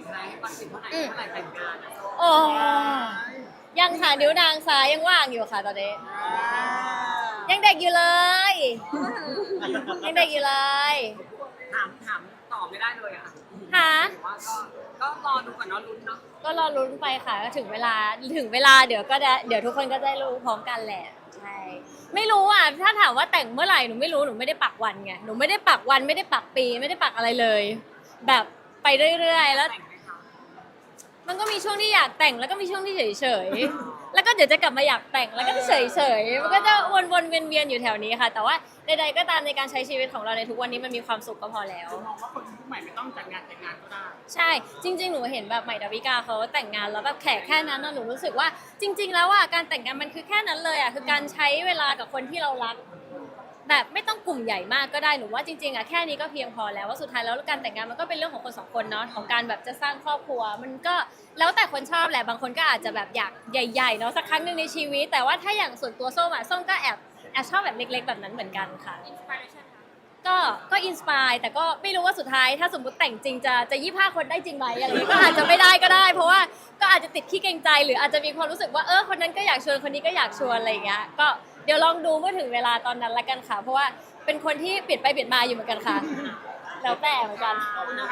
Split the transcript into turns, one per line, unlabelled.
ใช้ให้ก่อนสิเมื่อไหร่แต่งงานอะ
โอ้ยังค่ะนิ้วนางซ้ายยังว่างอยู่ค่ะตอนนี้ยังเด็กอยู่เลยยังเด็กอยู่เลย
ถามตอบไม่ได้เลยอะ
ค่ะ
แต่ว่าก็รอดูก่อนเนาะลุ้นเนาะ
ก็รอลุ้นไปค่ะก็ถึงเวลาเดี๋ยวก็ได้เดี๋ยวทุกคนก็ได้รู้พร้อมกันแหละใช่ไม่รู้อ่ะถ้าถามว่าแต่งเมื่อไหร่หนูไม่รู้หนูไม่ได้ปักวันไงหนูไม่ได้ปักวันไม่ได้ปักปีไม่ได้ปักอะไรเลย แบบไปเรื่อยๆแล้ว
แต่งไหมคะ
มันก็มีช่วงที่อยากแต่งแล้วก็มีช่วงที่เฉยๆแล้วก็เดี๋ยวจะกลับมาอยากแต่งแล้วก็เฉยๆมันก็จะวนๆเวียนๆอยู่แถวนี้ค่ะ แต่ว่าใดๆก็ตามในการใช้ชีวิตของเราในทุกวันนี้มันมีความสุขก็พอแล้ว
มองว่าคนยุคใหม่ไม่ต้องแต่งงานก็ได้
ใช่จริงๆหนูเห็นแบบใหม่ดาวิกาเขาแต่งงานแล้วแบบแค่นั้นนะหนูรู้สึกว่าจริง ๆ แล้วอ่ะการแต่งงานมันคือแค่นั้นเลยอ่ะคือการใช้เวลากับคนที่เรารักแบบไม่ต้องกลุ่มใหญ่มากก็ได้หนูว่าจริงๆอ่ะแค่นี้ก็เพียงพอแล้วว่าสุดท้ายแล้วการแต่งงานมันก็เป็นเรื่องของคนสองคนเนาะของการแบบจะสร้างครอบครัวมันก็แล้วแต่คนชอบแหละบางคนก็อาจจะแบบอยากใหญ่ๆเนาะสักครั้งหนึ่งในชีวิตแต่ว่าถ้าอย่างส่วนตัวส้มอ่ะส้มก็แอบชอบแบบเล็กๆแบบนั้นเหมือนกันค่ะ ก็อินสปายแต่ก็ไม่รู้ว่าสุดท้ายถ้าสมมติแต่งจริงจะ25 คนได้จริงไหมอะไรอย่างเงี้ยก็อาจจะไม่ได้ก็ได้ เพราะว่าก็อาจจะติดขี้เกรงใจหรืออาจจะมีความรู้สึกว่าคนนั้นก็อยากชวนคนนี้ก็อยากชวนอะไรอย่างเงี้ยก็เดี๋ยวลองดูเมื่อถึงเวลาตอนนั้นละกันค่ะเพราะว่าเป็นคนที่เปลี่ยนไปเปลี่ยนมาอยู่เหมือนกันค่ะแล้วแต่เหมือนกัน